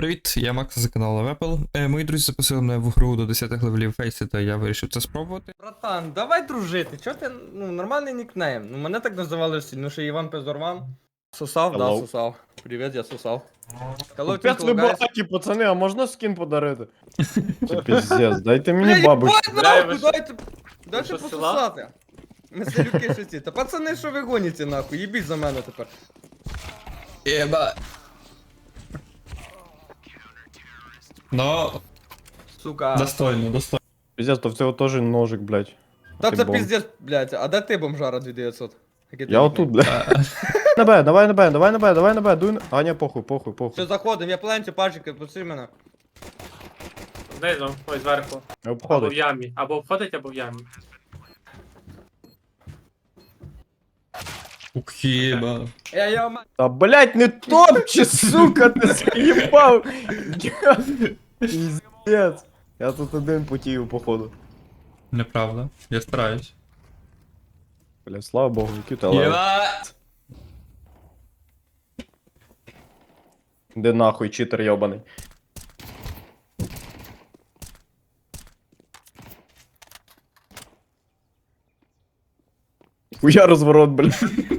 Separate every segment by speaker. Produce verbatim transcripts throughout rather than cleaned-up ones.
Speaker 1: Привіт, я Макс за каналу Apple. Е, мої друзі запросили мене в гру до десятих левелів Фейсі, та я вирішив це спробувати.
Speaker 2: Братан, давай дружити. Чо ти, ну, нормальний нікнейм. Ну, мене так називали всі, ну що Іван Пезорван. Сосав, да,
Speaker 3: Hello.
Speaker 2: сосав. Привіт, я сосав. Hello,
Speaker 3: Капець
Speaker 2: Tinkle
Speaker 3: ви
Speaker 2: Guys.
Speaker 3: багаті, пацани, а можна скін подарити? Це піздець, дайте мені
Speaker 2: Бля,
Speaker 3: бабу.
Speaker 2: їбать,
Speaker 4: Бля,
Speaker 2: нахуй,
Speaker 4: ви що-
Speaker 2: дайте, дайте
Speaker 4: що, з села?
Speaker 2: пососати. Ми селюки шості. Та пацани, що ви гоніте, нахуй, їбіть за мене тепер.
Speaker 1: Єба. Ну,
Speaker 2: Сука.
Speaker 1: достойно, достойно.
Speaker 3: Піздець, то в цього теж ножик, блядь.
Speaker 2: Та
Speaker 3: ти
Speaker 2: це
Speaker 3: бомж.
Speaker 2: піздець, блядь, а де ти бомжара дві тисячі дев'ятсот? Який ти
Speaker 3: Я
Speaker 2: нікнейм?
Speaker 3: отут, блядь. На Б, давай на Б, давай на Б, давай на Б, дуй на... А, ні, похуй, похуй,
Speaker 2: Все,
Speaker 3: похуй.
Speaker 2: заходим, я пленчу, пальчики, пусти мене.
Speaker 4: Знизу, ось зверху.
Speaker 3: Не
Speaker 4: Або в
Speaker 3: обходить.
Speaker 4: ямі. Або обходить, або в ямі.
Speaker 1: Ух, єба.
Speaker 2: Я, я, ма-
Speaker 3: Та, блядь, не топчи, сука, ти заїбав. Піздець. Я тут один потію, походу.
Speaker 1: Неправда, я стараюсь.
Speaker 3: Бля, слава богу, який ти левел.
Speaker 1: Єба!
Speaker 3: Де нахуй, читер йобаний. Хуя розворот, блядь.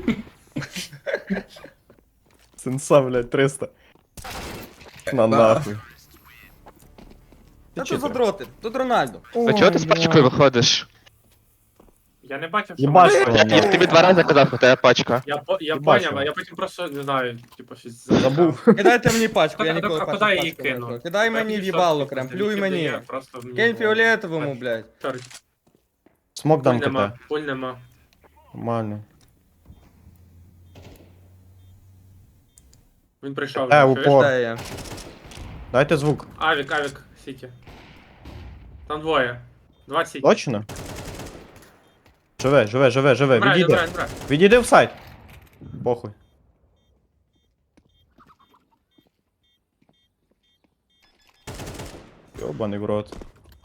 Speaker 3: Сенса, блядь, триста. На нахуй.
Speaker 2: Та тут задроти, тут Рональдо.
Speaker 5: А чого ти з пачкою виходиш?
Speaker 4: Я не бачив, що...
Speaker 3: Єбаш,
Speaker 4: мене-
Speaker 3: його,
Speaker 5: Я
Speaker 3: нахуй.
Speaker 5: тобі два рази казав, у тебе пачка.
Speaker 4: Я, по- я
Speaker 3: Не бачив.
Speaker 4: поняв, а я потім просто, не знаю, типу, щось...
Speaker 3: Забув.
Speaker 2: Кидайте мені пачку, я
Speaker 4: Так,
Speaker 2: ніколи
Speaker 4: а
Speaker 2: пачку
Speaker 4: куди я її
Speaker 2: пачку не
Speaker 4: кину?
Speaker 2: брав. Кидай мені
Speaker 4: Я
Speaker 2: в'їбало,
Speaker 4: тільки
Speaker 2: прям,
Speaker 4: що
Speaker 2: плюй
Speaker 4: тільки
Speaker 2: мені.
Speaker 4: дає, просто мені
Speaker 2: Кинь
Speaker 4: було-
Speaker 2: фіолетовому, блядь.
Speaker 4: Чорт,
Speaker 3: Смок
Speaker 4: пуль
Speaker 3: дам
Speaker 4: нема,
Speaker 3: КТ.
Speaker 4: пуль нема.
Speaker 3: Нормально.
Speaker 4: Він прийшов.
Speaker 3: Е,
Speaker 4: чуєш?
Speaker 3: упор.
Speaker 2: Де я?
Speaker 3: Дайте звук.
Speaker 4: Авік, авік, сіті. Там двоє. Два сіті.
Speaker 3: Точно? Живе, живе, живе, живе.
Speaker 4: Брай,
Speaker 3: Відійди.
Speaker 4: брай, брай.
Speaker 3: Відійди в сайт. Похуй. Йобаний в рот.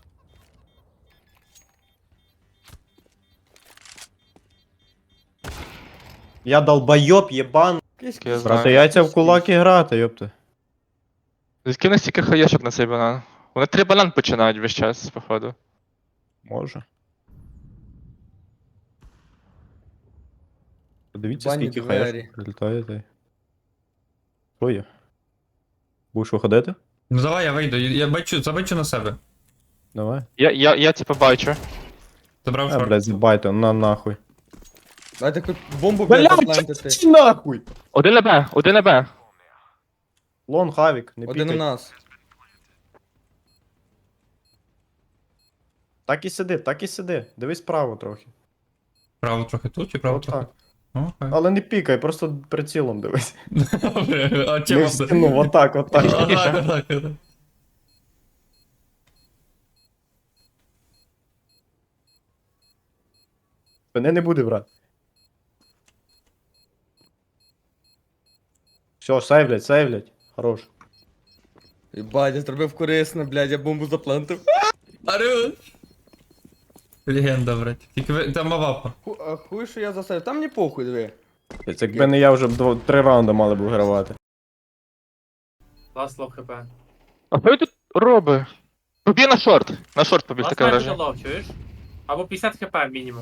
Speaker 3: Я долбойоб, єбан.
Speaker 5: Я знаю.
Speaker 3: Брати, яйця в кулаки грати, йопти.
Speaker 5: Звідки в них стільки хаєшок на цей банан? Вони три банан починають весь час, походу.
Speaker 3: Може. Подивіться,
Speaker 2: Бані
Speaker 3: скільки
Speaker 2: двері.
Speaker 3: хаєшок прилітає. та й- Що є? Будеш виходити?
Speaker 1: Ну давай я вийду, я бачу, забачу на себе.
Speaker 3: Давай.
Speaker 5: Я, я, я типу бачу.
Speaker 1: Забрав
Speaker 3: А,
Speaker 1: шорт.
Speaker 3: блядь, забайте, на нахуй.
Speaker 2: Дайте хоч бомбу, блядь, заплантити.
Speaker 3: Чи нахуй?
Speaker 5: Один на Б, один на Б.
Speaker 3: Лон, хавік, не
Speaker 2: Один у
Speaker 3: пікай.
Speaker 2: нас.
Speaker 3: Так і сиди, так і сиди. Дивись право трохи.
Speaker 1: Право трохи тут і право
Speaker 3: От
Speaker 1: трохи.
Speaker 3: так.
Speaker 1: Ну, окей.
Speaker 3: Але не пікай, просто прицілом дивись.
Speaker 1: Добре, а
Speaker 3: Не
Speaker 1: чим
Speaker 3: в стіну, отак, отак.
Speaker 1: Отак, отак, отак.
Speaker 3: Мене не буде, брат. Все, сейвлять, сейвлять. Хорош.
Speaker 2: Єбать, я зробив корисно, блядь, я бомбу заплантив.
Speaker 1: Арю! Легенда, брать. Тільки ви... там мавапа.
Speaker 2: Ху- а Хуй, що я засадив. Там не похуй, диви.
Speaker 3: Це якби не я вже б дво- три раунди мали б вигравати.
Speaker 4: Ласт лов хп.
Speaker 5: А що він тут робить? Побіг на шорт. На шорт побіг,
Speaker 4: Ласт
Speaker 5: таке
Speaker 4: майже
Speaker 5: враження.
Speaker 4: лов, чуєш? Або п'ятдесят хп мінімум.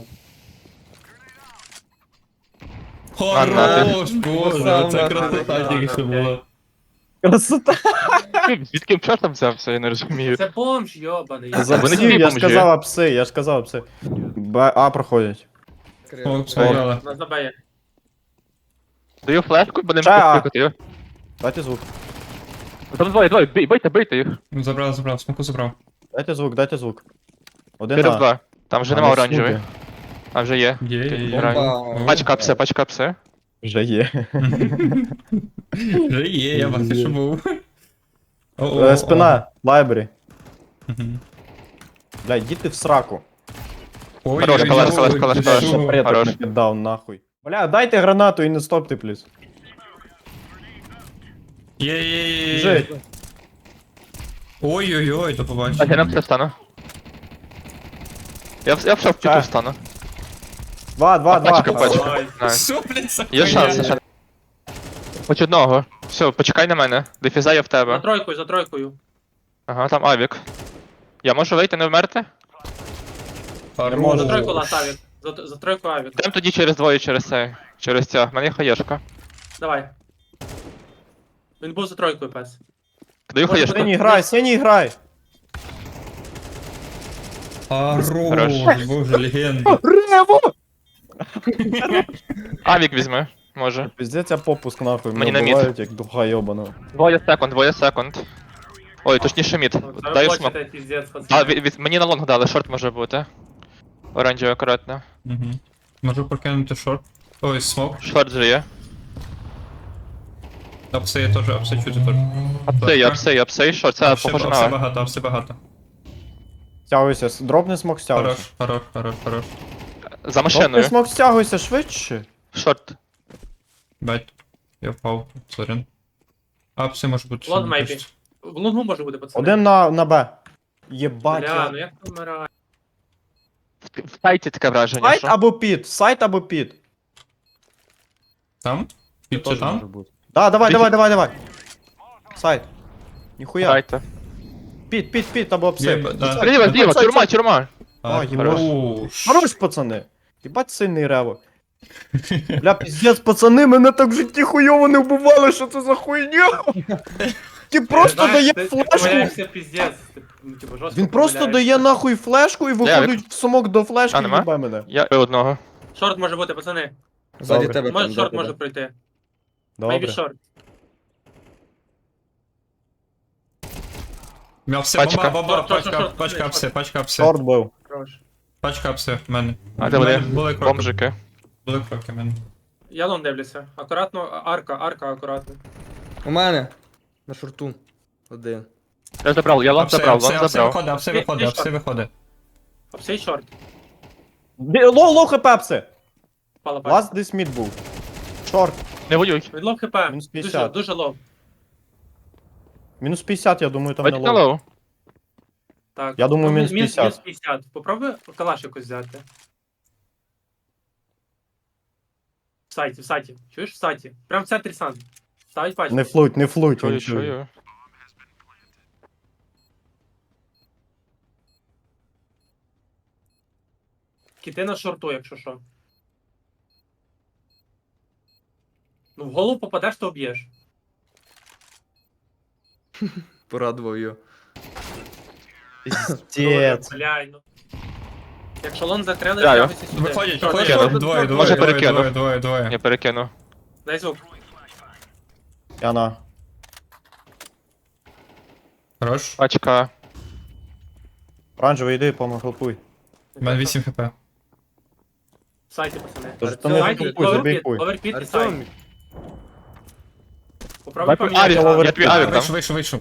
Speaker 1: Хорош, боже,
Speaker 2: Сам
Speaker 1: це
Speaker 2: нахуй.
Speaker 1: красота тільки що була.
Speaker 3: Красота!
Speaker 5: Ти Звідки чортом взявся, я не розумію.
Speaker 4: Це бомж, йобаний.
Speaker 3: За
Speaker 5: Вони
Speaker 3: псів,
Speaker 5: всі
Speaker 3: я ж
Speaker 5: бомжі.
Speaker 3: казав апси, я ж казав апси. Б, А проходять.
Speaker 1: О, стояла.
Speaker 4: На забеє.
Speaker 5: Даю флешку, бо не
Speaker 3: Ча.
Speaker 5: можу кликати.
Speaker 3: Дайте звук.
Speaker 5: Там двоє, двоє, бий- бийте, бийте їх.
Speaker 1: Забрав, забрав, смоку забрав.
Speaker 3: Дайте звук, дайте звук. Один
Speaker 5: Чотири в
Speaker 3: А.
Speaker 5: два. Там вже
Speaker 3: А,
Speaker 5: нема
Speaker 3: не
Speaker 5: оранжевий.
Speaker 3: супер.
Speaker 5: А вже є.
Speaker 1: Є, є, є.
Speaker 5: Граю.
Speaker 2: Бомба.
Speaker 5: Пачка псе, пачка псе.
Speaker 3: Вже є.
Speaker 1: Вже є, я бачу, що був. О, о,
Speaker 3: Е,
Speaker 1: о.
Speaker 3: Спина, лайбері.
Speaker 1: Мгм.
Speaker 3: Блядь, діти в сраку.
Speaker 1: Ой,
Speaker 5: Хорош,
Speaker 1: ой,
Speaker 5: калаш,
Speaker 1: ой,
Speaker 5: калаш,
Speaker 1: ой,
Speaker 5: калаш,
Speaker 1: ти
Speaker 5: калаш.
Speaker 1: що?
Speaker 3: Предок
Speaker 5: Хорош.
Speaker 3: не піддав нахуй. Бля, дайте гранату і не стопте, плюс.
Speaker 1: Є, є, є, є.
Speaker 3: Жить.
Speaker 1: Ой-ой-ой, до
Speaker 5: А я
Speaker 1: побачення.
Speaker 5: на псе стану. Я, в- я в шов
Speaker 3: Ча.
Speaker 5: піту стану.
Speaker 3: Два, два, два.
Speaker 5: Пачка, пачка.
Speaker 4: Ой.
Speaker 5: Найс.
Speaker 1: Що, блядь, за
Speaker 5: Є
Speaker 1: хуйня?
Speaker 5: шанс, є шанс. Хоч одного. Все, почекай на мене. Дефіза є в
Speaker 4: За
Speaker 5: тебе.
Speaker 4: тройкою, за тройкою.
Speaker 5: Ага, там авік. Я можу вийти, не вмерти?
Speaker 3: можу.
Speaker 4: За тройку лас авік. За, за тройку авік.
Speaker 5: Йдем тоді через двоє, через цей. Через ця. В мене є хаєшка.
Speaker 4: Давай. Він був за тройкою, пес.
Speaker 5: Даю
Speaker 4: Може,
Speaker 5: хаєшку.
Speaker 3: Синій грай, синій грай.
Speaker 1: Хорош,
Speaker 5: Хорош.
Speaker 1: боже, легенда.
Speaker 3: Рево!
Speaker 5: Авік візьми, може.
Speaker 3: Піздець, я попуск нахуй,
Speaker 5: Мені
Speaker 3: мене
Speaker 5: на мід.
Speaker 3: вбивають як духа йобана.
Speaker 5: Двоє секунд, двоє секунд. Ой, точніше мід.
Speaker 4: Ну, це
Speaker 5: Даю
Speaker 4: ви
Speaker 5: смок.
Speaker 4: хочете, піздець,
Speaker 5: А,
Speaker 4: пацани.
Speaker 5: від, від, мені на лонг дали, шорт може бути. Оранжевий акуратно.
Speaker 1: Угу. Можу прокинути шорт. Ой, смок.
Speaker 5: Шорт же є.
Speaker 1: Апси я теж, апси чути теж.
Speaker 5: Апсей, апсей, апсей, шорт. Це
Speaker 1: Апси
Speaker 5: похоже
Speaker 1: апси
Speaker 5: на.
Speaker 1: багато, апси багато.
Speaker 3: Стягуйся, с- дропни смок,
Speaker 1: Хорош,
Speaker 3: стягуйся.
Speaker 1: хорош, хорош, хорош.
Speaker 5: За
Speaker 3: Дропни
Speaker 5: машиною.
Speaker 3: смок, стягуйся швидше.
Speaker 5: Шорт.
Speaker 1: Бать. Я впав, сорян. Апси може бути.
Speaker 4: Лон
Speaker 1: ще
Speaker 4: мейбі.
Speaker 1: якось.
Speaker 4: В лонгу може бути, пацани.
Speaker 3: Один на, на Б. Єбать.
Speaker 4: Бля,
Speaker 3: я-
Speaker 4: ну як ти вмирає?
Speaker 5: В в сайті таке враження,
Speaker 3: Сайт
Speaker 5: що.
Speaker 3: або під, сайт або під.
Speaker 1: Там? Під чи
Speaker 3: Теж може
Speaker 1: там?
Speaker 3: бути. Да, давай,
Speaker 5: Під-
Speaker 3: давай, давай, давай. Сайт. Ніхуя.
Speaker 5: Дайте.
Speaker 3: Під, під, під, або
Speaker 1: Є,
Speaker 3: апсей.
Speaker 1: б- да.
Speaker 3: Сайт,
Speaker 5: Зліва,
Speaker 3: сайт,
Speaker 5: зліва,
Speaker 3: сайт,
Speaker 5: тюрма,
Speaker 3: сайт.
Speaker 5: тюрма.
Speaker 3: А,
Speaker 1: хорош.
Speaker 3: хорош. Хорош, пацани. Єбать сильний рево. Бля, піздець, пацани, мене так в житті хуйово не вбивали, що це за хуйня? Ти просто
Speaker 4: Знаєш,
Speaker 3: дає
Speaker 4: ти- Ти
Speaker 3: флешку.
Speaker 4: помиляєшся, піздець. Ти, ну, типу, жорстко
Speaker 3: Він просто
Speaker 4: помиляєшся.
Speaker 3: дає нахуй флешку і виходить в сумок до флешки
Speaker 5: А,
Speaker 3: і
Speaker 5: нема?
Speaker 3: їбе мене.
Speaker 5: Я бив одного.
Speaker 4: Шорт може бути, пацани.
Speaker 2: Ззаді
Speaker 3: Добре.
Speaker 2: тебе
Speaker 4: Може,
Speaker 2: там,
Speaker 4: шорт
Speaker 2: да,
Speaker 4: може
Speaker 2: да.
Speaker 4: пройти.
Speaker 3: Добре.
Speaker 4: Maybe шорт.
Speaker 1: Я все,
Speaker 5: Пачка.
Speaker 1: бомба, бомба,
Speaker 4: Шорт, шорт,
Speaker 1: пачка,
Speaker 4: шорт,
Speaker 1: пачка
Speaker 4: шорт.
Speaker 1: апси, пачка апси.
Speaker 3: Шорт бив.
Speaker 4: Хорош.
Speaker 1: Пачка апси в мене.
Speaker 5: А де
Speaker 1: В мене
Speaker 5: вони?
Speaker 1: Були кроки.
Speaker 5: Бомжики.
Speaker 1: Були кроки в мене.
Speaker 4: Я лон дивлюся. Акуратно, а- арка, арка акуратно.
Speaker 2: У мене. На шорту. Один.
Speaker 5: Я забрав, я лонг
Speaker 1: Апси,
Speaker 5: забрав,
Speaker 1: апси,
Speaker 5: лонг
Speaker 1: апси
Speaker 5: забрав.
Speaker 1: виходить, апси
Speaker 4: Ти-
Speaker 1: виходить,
Speaker 4: ти
Speaker 1: апси
Speaker 4: що?
Speaker 1: виходить.
Speaker 4: Апсей шорт.
Speaker 3: Ді- Лоу, лоу хп апси.
Speaker 4: Пала пачка.
Speaker 3: Ласт десь мід був. Шорт.
Speaker 5: Не воюй.
Speaker 4: Він лов хп.
Speaker 3: Мінус
Speaker 4: Дуже,
Speaker 3: п'ятдесят.
Speaker 4: дуже лов.
Speaker 3: Мінус п'ятдесят, я думаю, там не
Speaker 5: Бачите на
Speaker 3: лоу.
Speaker 5: лоу?
Speaker 4: Так.
Speaker 3: Я думаю,
Speaker 4: Ну,
Speaker 3: мінус
Speaker 4: мінус-
Speaker 3: п'ятдесят.
Speaker 4: мінус п'ятдесят. Попробуй калаш якось взяти. В сайті, в сайті. Чуєш в сайті? Прям в центрі сан. Ставить пачку.
Speaker 3: Не флуть, не флуть,
Speaker 5: Чую,
Speaker 3: він чує.
Speaker 5: чую.
Speaker 4: Кіти на шорту, якщо що. Ну, в голову попадеш, то об'єш.
Speaker 2: Порадував його.
Speaker 3: Піздець.
Speaker 4: Бля, ну. Якщо лон закрили,
Speaker 5: Граю.
Speaker 4: з'явиться сюди.
Speaker 1: Виходять,
Speaker 4: Шорт,
Speaker 1: виходять,
Speaker 4: шорт,
Speaker 1: двоє,
Speaker 4: шорт,
Speaker 1: двоє,
Speaker 5: Може,
Speaker 1: двоє,
Speaker 5: перекину.
Speaker 1: двоє, двоє, двоє.
Speaker 5: Я перекину.
Speaker 4: Дай звук.
Speaker 3: Я на.
Speaker 1: Хорош.
Speaker 5: Пачка.
Speaker 3: Оранжевий, йди, помогелпуй.
Speaker 1: У мене вісім хп.
Speaker 4: В сайті, пацани.
Speaker 3: Тож
Speaker 2: Артем,
Speaker 3: то не
Speaker 4: Сайті,
Speaker 3: гелпуй, забій
Speaker 4: оверпіт,
Speaker 3: хуй.
Speaker 4: оверпіт і сайт.
Speaker 2: Артем,
Speaker 4: Попробуй
Speaker 3: Дай
Speaker 4: поміняти.
Speaker 5: Авік,
Speaker 3: Авік,
Speaker 5: я тобі авік
Speaker 1: Вийшов,
Speaker 5: дам.
Speaker 1: вийшов, вийшов.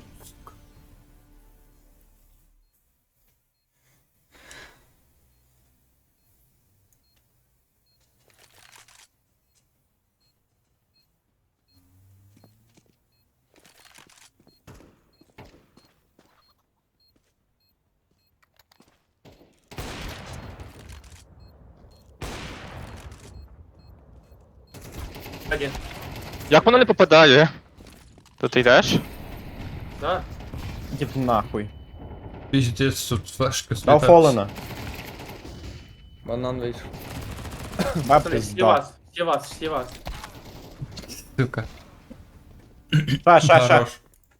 Speaker 4: Один.
Speaker 5: Як воно не попадає? То ти йдеш?
Speaker 4: Да.
Speaker 3: Ідіть нахуй.
Speaker 1: Піздець, тут флешки
Speaker 3: Дав
Speaker 1: слітають.
Speaker 3: Фолена.
Speaker 2: банан вийшов.
Speaker 3: Баб
Speaker 4: Пацани, всі
Speaker 3: пизда.
Speaker 4: вас, всі вас, всі вас.
Speaker 1: Сука.
Speaker 3: Ша, ша, ша.
Speaker 1: Хорош.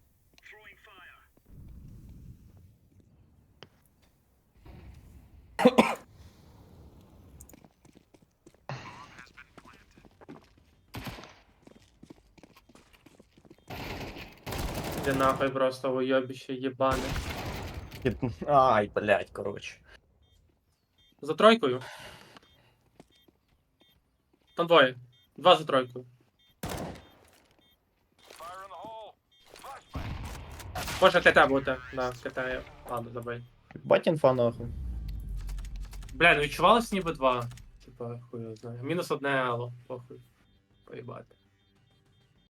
Speaker 4: Де нахуй просто уйобище єбане.
Speaker 3: Ай, блядь, коротше.
Speaker 4: За тройкою. Там двоє. Два за тройкою. Може КТ бути. Да, КТ є. Ладно, забий.
Speaker 3: Бать інфа нахуй.
Speaker 4: Бля, ну відчувалось ніби два. Типа, хуй його знає. Мінус одне алло. Похуй. Поїбати.